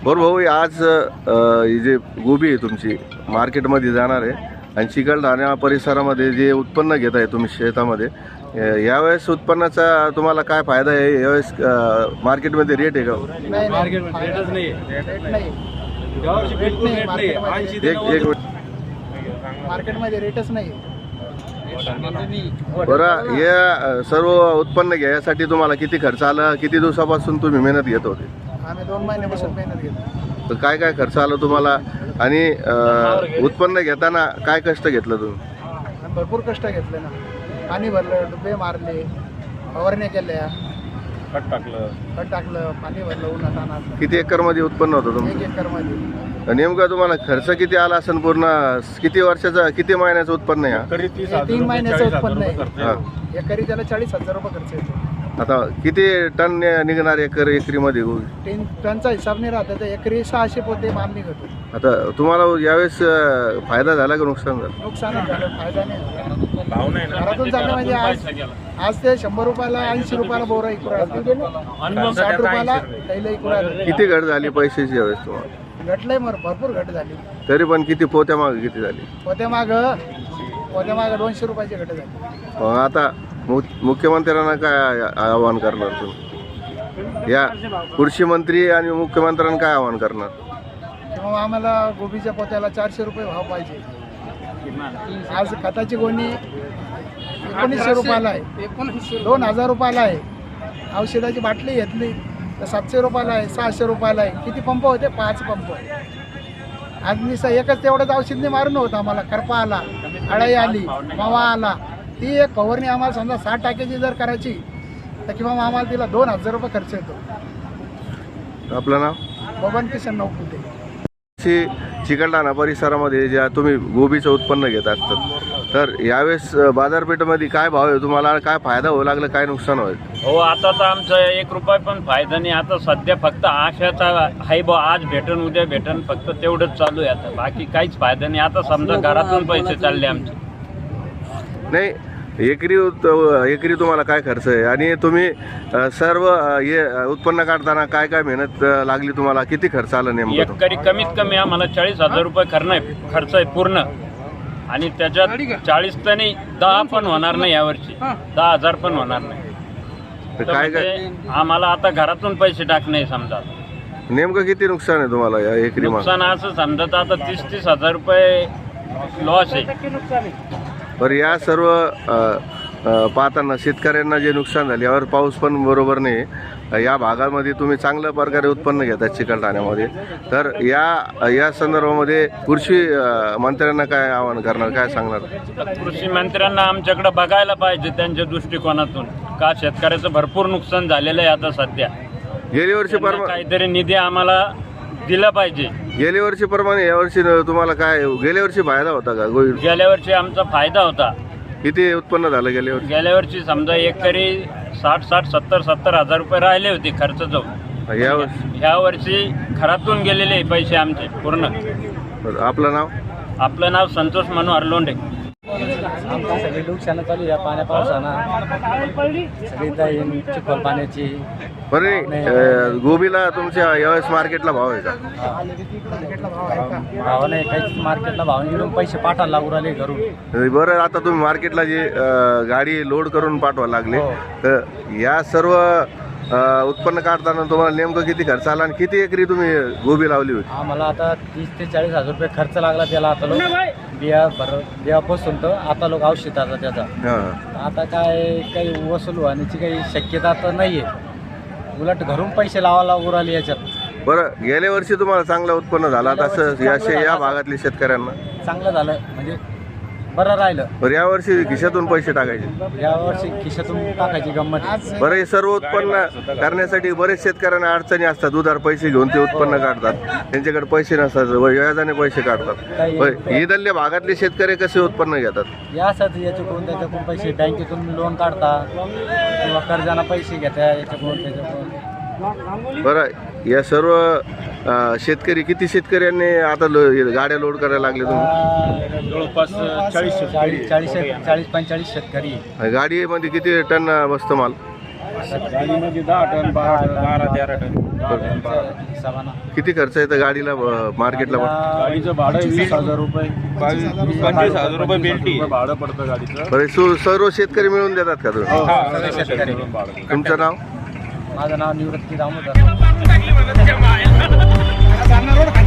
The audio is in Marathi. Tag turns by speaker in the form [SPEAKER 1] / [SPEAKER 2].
[SPEAKER 1] बरं भाऊ, आज ही जे गोबी आहे तुमची मार्केटमध्ये जाणार आहे आणि चिकलठाणा परिसरामध्ये जे उत्पन्न घेत आहे तुम्ही शेतामध्ये, यावेळेस उत्पन्नाचा तुम्हाला काय फायदा आहे? यावेळेस मार्केटमध्ये रेट आहे का?
[SPEAKER 2] नाही, मार्केटमध्ये रेटच नाही.
[SPEAKER 1] एक
[SPEAKER 2] मार्केटमध्ये रेटच नाही.
[SPEAKER 1] बरं, हे सर्व उत्पन्न घ्यायसाठी तुम्हाला किती खर्च आला? किती दिवसापासून तुम्ही मेहनत घेत होते?
[SPEAKER 2] आम्ही 2 महिन्यापासून मेहनत घेतो.
[SPEAKER 1] तर काय काय खर्च आला तुम्हाला आणि उत्पन्न घेताना काय कष्ट घेतलं तुम्ही?
[SPEAKER 2] आम्ही भरपूर कष्ट घेतले ना. पाणी भरलं, डुबे मारले, फवारण्या केल्या, खत टाकलं, पाणी भरलं उन्हातानात.
[SPEAKER 1] किती एकरमध्ये उत्पन्न होतं
[SPEAKER 2] 1
[SPEAKER 1] तुमचं?
[SPEAKER 2] एकरमध्ये.
[SPEAKER 1] नेमका तुम्हाला खर्च किती आला असेल? पूर्ण किती वर्षाचा, किती महिन्याचं उत्पन्न आहे?
[SPEAKER 2] 3 महिन्याचं उत्पन्न आहे.
[SPEAKER 1] हा.
[SPEAKER 2] एकरी त्याला 40,000 रुपये खर्च येतो.
[SPEAKER 1] आता किती टन निघणार एकरीमध्ये गोबी?
[SPEAKER 2] 3 टनचा हिसाब नाही राहत, तर एकरी 600 पोते माल निघतो.
[SPEAKER 1] आता तुम्हाला यावेळेस फायदा झाला का नुकसान झालं?
[SPEAKER 2] नुकसानच झालं, फायदा नाही. घरातून चाललं म्हणजे आज ते 100 रुपयाला 80 रुपयाला बोरा इकू राहिला, 60 रुपयाला कैला इकू राहिला.
[SPEAKER 1] किती घट झाली पैशाची यावेळेस तुम्हाला?
[SPEAKER 2] घटलंय भरपूर घट झाली.
[SPEAKER 1] तरी पण किती पोत्या मागे किती झाली?
[SPEAKER 2] पोत्या माग 200 रुपयाची घट झाली.
[SPEAKER 1] आता मुख्यमंत्र्यांना काय आवाहन करणार तुम्ही? या कृषी मंत्री आणि मुख्यमंत्र्यांना काय आवाहन करणार?
[SPEAKER 2] किंवा आम्हाला गोबीच्या पोत्याला 400 रुपये भाव पाहिजे. आज खताची गोणी 1900 रुपयाला आहे, 2000 रुपयाला आहे. औषधाची बाटली घेतली तर 700 रुपयाला आहे, 600 रुपयाला आहे. किती पंप होते? 5 पंप. आज मी एकच तेवढंच औषध नाही मारून होतं. आम्हाला करपा आला, अळाई आली, मावा आला. ती एक फवारणी आम्हाला समजा 60 टाक्याची जर करायची तर किंवा आम्हाला तिला 2000 रुपये खर्च येतो.
[SPEAKER 1] आपलं नाव?
[SPEAKER 2] बबन किशन नौकुटे.
[SPEAKER 1] चिकलठाणा परिसरामध्ये ज्या तुम्ही गोबीचं उत्पन्न घेत असतात, तर यावेळेस बाजारपेठेमध्ये काय भाव आहे? तुम्हाला काय फायदा होऊ लागला, काय नुकसान होईल?
[SPEAKER 3] हो, आता तर आमचा 1 रुपया पण फायदा नाही. आता सध्या फक्त आशाचा आहे बा, आज भेटन उद्या भेटन, फक्त तेवढंच चालू आहे. आता बाकी काहीच फायदा नाही. आता समजा घरातून पैसे चालले आमचे.
[SPEAKER 1] नाही, एकरी तुम्हाला काय खर्च आहे आणि तुम्ही सर्व हे उत्पन्न काढताना काय काय मेहनत लागली तुम्हाला? किती खर्च आला नेमका?
[SPEAKER 3] एकरी कमीत कमी आम्हाला 40,000 रुपये खर्च आहे पूर्ण. आणि त्याच्यात 40 तर नाही, 10 पण होणार नाही यावर्षी. 10,000 पण होणार नाही.
[SPEAKER 1] तर काय काय
[SPEAKER 3] म्हणजे आम्हाला आता घरातून पैसे टाकणे समजा.
[SPEAKER 1] नेमकं किती नुकसान आहे तुम्हाला या एकरी?
[SPEAKER 3] नुकसान असं समजत आता 30,000 रुपये लॉस आहे.
[SPEAKER 1] बरं, या सर्व पाहताना शेतकऱ्यांना जे नुकसान झाले, यावर पाऊस पण बरोबर नाही. या भागामध्ये तुम्ही चांगल्या प्रकारे उत्पन्न घेतात चिकलठाण्यामध्ये, तर या संदर्भामध्ये कृषी मंत्र्यांना काय आवाहन करणार, काय सांगणार?
[SPEAKER 3] कृषी मंत्र्यांना आमच्याकडे बघायला पाहिजे त्यांच्या दृष्टिकोनातून, का शेतकऱ्याचं भरपूर नुकसान झालेलं आहे. आता सध्या
[SPEAKER 1] गेल्या वर्षी
[SPEAKER 3] काहीतरी निधी आम्हाला दिला पाहिजे.
[SPEAKER 1] गेल्या वर्षीप्रमाणे यावर्षी तुम्हाला काय, गेल्या वर्षी फायदा होता का?
[SPEAKER 3] गेल्या वर्षी आमचा फायदा होता.
[SPEAKER 1] किती उत्पन्न झालं गेल्या वर्षी?
[SPEAKER 3] गेल्या वर्षी समजा एकरी 60,000 हजार रुपये राहिले होते खर्च जाऊन. ह्या वर्षी घरातून गेलेले पैसे आमचे पूर्ण.
[SPEAKER 1] आपलं नाव?
[SPEAKER 3] आपलं नाव संतोष मनोहर लोंढे.
[SPEAKER 4] आमची सगळी नुकसान चालू या पावसानं, सगळी चिखल पाण्याची.
[SPEAKER 1] बरे, गोबीला तुमच्या यावेळेस मार्केटला भाव आहे का?
[SPEAKER 4] भाव नाही, काहीच मार्केटला भाव नाही. पैसे पाठायला लागू राहिले घरून.
[SPEAKER 1] बरं, आता तुम्ही मार्केटला जे गाडी लोड करून पाठवा लागले, तर या सर्व उत्पन्न काढताना तुम्हाला नेमकं किती खर्च आला आणि किती एकरी तुम्ही गोबी लावली होती?
[SPEAKER 4] आम्हाला आता 30 ते 40,000 रुपये खर्च लागला त्याला. आता लोक बिया बसून तर आता लोक औषधाचा त्याचा. आता काही वसूल होण्याची काही शक्यता तर नाही आहे. उलट घरून पैसे लावायला लागू राहिले याच्यात.
[SPEAKER 1] बरं, गेल्या वर्षी तुम्हाला चांगलं उत्पन्न झालं तसं या भागातल्या शेतकऱ्यांना
[SPEAKER 4] चांगलं झालं, म्हणजे बरं राहिलं.
[SPEAKER 1] बरं, यावर्षी खिशातून पैसे टाकायचे?
[SPEAKER 4] यावर्षी खिशातून टाकायची गंमत.
[SPEAKER 1] बरं, हे सर्व उत्पन्न करण्यासाठी बरेच शेतकऱ्यांना अडचणी असतात. उधार पैसे घेऊन ते उत्पन्न काढतात, त्यांच्याकडे पैसे नसतात, व्याजाने पैसे काढतात. इथल्या भागातले शेतकरी कसे उत्पन्न घेतात?
[SPEAKER 4] याच्याकडून त्याच्याकडून पैसे बँकेतून लोन काढता किंवा कर्जाना पैसे घेता याच्याकडून त्याच्याकडून.
[SPEAKER 1] बरं, या सर्व शेतकरी, किती शेतकऱ्यांनी आता गाड्या लोड करायला लागले तुम्ही?
[SPEAKER 3] जवळपास
[SPEAKER 4] 40-45 शेतकरी.
[SPEAKER 1] गाडीमध्ये किती टन बसतो माल?
[SPEAKER 5] गाडीमध्ये 10 टन 12-13 टन
[SPEAKER 4] हिसाबानं
[SPEAKER 1] किती खर्च येतं गाडीला मार्केटला?
[SPEAKER 5] गाडीचं भाडं 20,000 रुपये 25,000 रुपये बेल्टी भाडं पडतं गाडीचं.
[SPEAKER 1] बरं, सर्व शेतकरी मिळून देतात का तुम्ही?
[SPEAKER 4] सगळे शेतकरी.
[SPEAKER 1] तुमचं नाव?
[SPEAKER 4] माझं नाव निवृत्ती दामोदर.
[SPEAKER 2] जाणार रोड खाली